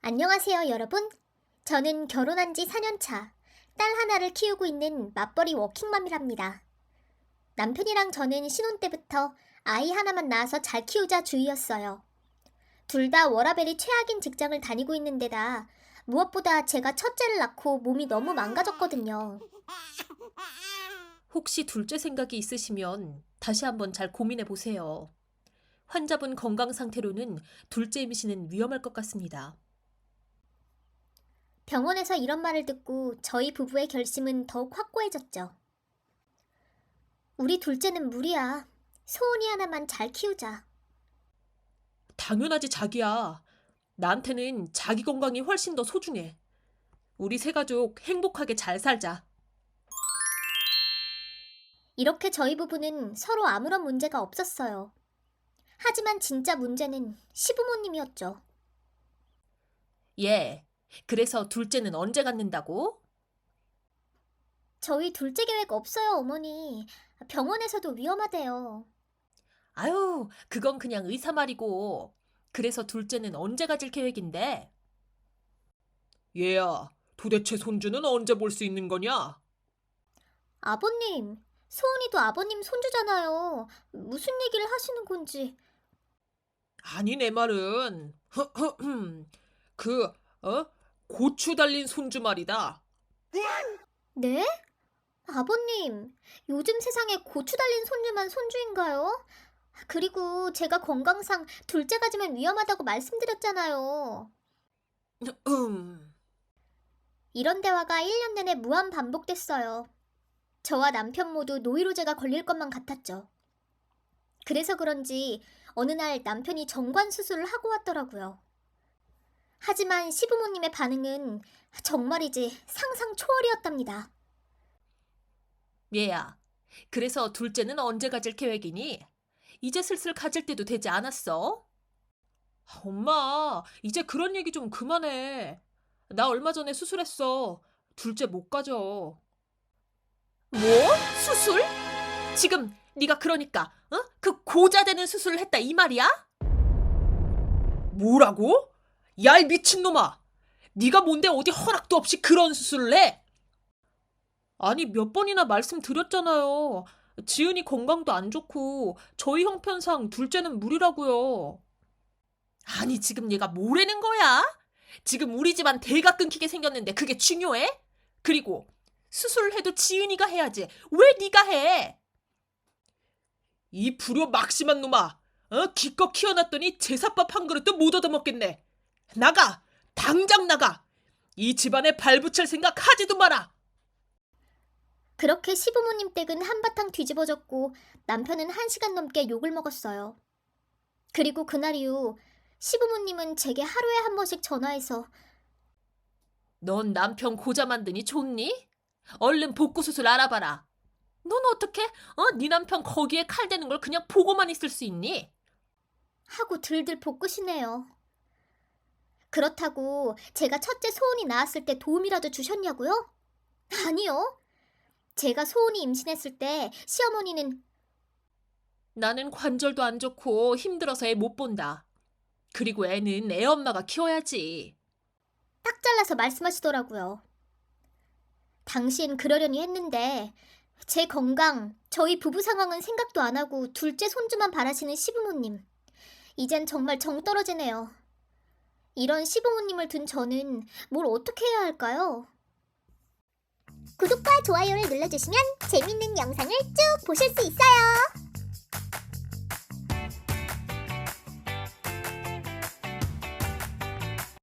안녕하세요, 여러분. 저는 결혼한 지 4년 차, 딸 하나를 키우고 있는 맞벌이 워킹맘이랍니다. 남편이랑 저는 신혼 때부터 아이 하나만 낳아서 잘 키우자 주의였어요. 둘 다 워라밸이 최악인 직장을 다니고 있는데다 무엇보다 제가 첫째를 낳고 몸이 너무 망가졌거든요. 혹시 둘째 생각이 있으시면 다시 한번 잘 고민해 보세요. 환자분 건강 상태로는 둘째 임신은 위험할 것 같습니다. 병원에서 이런 말을 듣고 저희 부부의 결심은 더욱 확고해졌죠. 우리 둘째는 무리야. 소은이 하나만 잘 키우자. 당연하지 자기야. 나한테는 자기 건강이 훨씬 더 소중해. 우리 세 가족 행복하게 잘 살자. 이렇게 저희 부부는 서로 아무런 문제가 없었어요. 하지만 진짜 문제는 시부모님이었죠. 예. 그래서 둘째는 언제 갖는다고? 저희 둘째 계획 없어요, 어머니. 병원에서도 위험하대요. 아유, 그건 그냥 의사 말이고. 그래서 둘째는 언제 가질 계획인데? 얘야, 도대체 손주는 언제 볼 수 있는 거냐? 아버님, 소은이도 아버님 손주잖아요. 무슨 얘기를 하시는 건지. 아니 내 말은 그 고추 달린 손주 말이다. 네? 아버님, 요즘 세상에 고추 달린 손주만 손주인가요? 그리고 제가 건강상 둘째 가지면 위험하다고 말씀드렸잖아요. 이런 대화가 1년 내내 무한 반복됐어요. 저와 남편 모두 노이로제가 걸릴 것만 같았죠. 그래서 그런지 어느 날 남편이 정관 수술을 하고 왔더라고요. 하지만 시부모님의 반응은 정말이지 상상 초월이었답니다. 얘야, 그래서 둘째는 언제 가질 계획이니? 이제 슬슬 가질 때도 되지 않았어? 엄마, 이제 그런 얘기 좀 그만해. 나 얼마 전에 수술했어. 둘째 못 가져. 뭐? 수술? 지금 네가 그러니까 그 고자되는 수술을 했다 이 말이야? 뭐라고? 야, 이 미친놈아! 네가 뭔데 어디 허락도 없이 그런 수술을 해? 아니, 몇 번이나 말씀드렸잖아요. 지은이 건강도 안 좋고 저희 형편상 둘째는 무리라고요. 아니, 지금 얘가 뭐라는 거야? 지금 우리 집안 대가 끊기게 생겼는데 그게 중요해? 그리고 수술을 해도 지은이가 해야지. 왜 네가 해? 이 불효 막심한 놈아! 기껏 키워놨더니 제사밥 한 그릇도 못 얻어먹겠네. 나가! 당장 나가! 이 집안에 발붙일 생각 하지도 마라! 그렇게 시부모님 댁은 한바탕 뒤집어졌고 남편은 1시간 넘게 욕을 먹었어요. 그리고 그날 이후 시부모님은 제게 하루에 한 번씩 전화해서 넌 남편 고자 만드니 좋니? 얼른 복구 수술 알아봐라. 넌 어떻게 네 남편 거기에 칼 대는 걸 그냥 보고만 있을 수 있니? 하고 들들 볶으시네요. 그렇다고 제가 첫째 소은이 낳았을 때 도움이라도 주셨냐고요? 아니요. 제가 소은이 임신했을 때 시어머니는 나는 관절도 안 좋고 힘들어서 애 못 본다. 그리고 애는 애 엄마가 키워야지. 딱 잘라서 말씀하시더라고요. 당시엔 그러려니 했는데 제 건강, 저희 부부 상황은 생각도 안 하고 둘째 손주만 바라시는 시부모님. 이젠 정말 정 떨어지네요. 이런 시부모님을 둔 저는 뭘 어떻게 해야 할까요? 구독과 좋아요를 눌러주시면 재밌는 영상을 쭉 보실 수 있어요.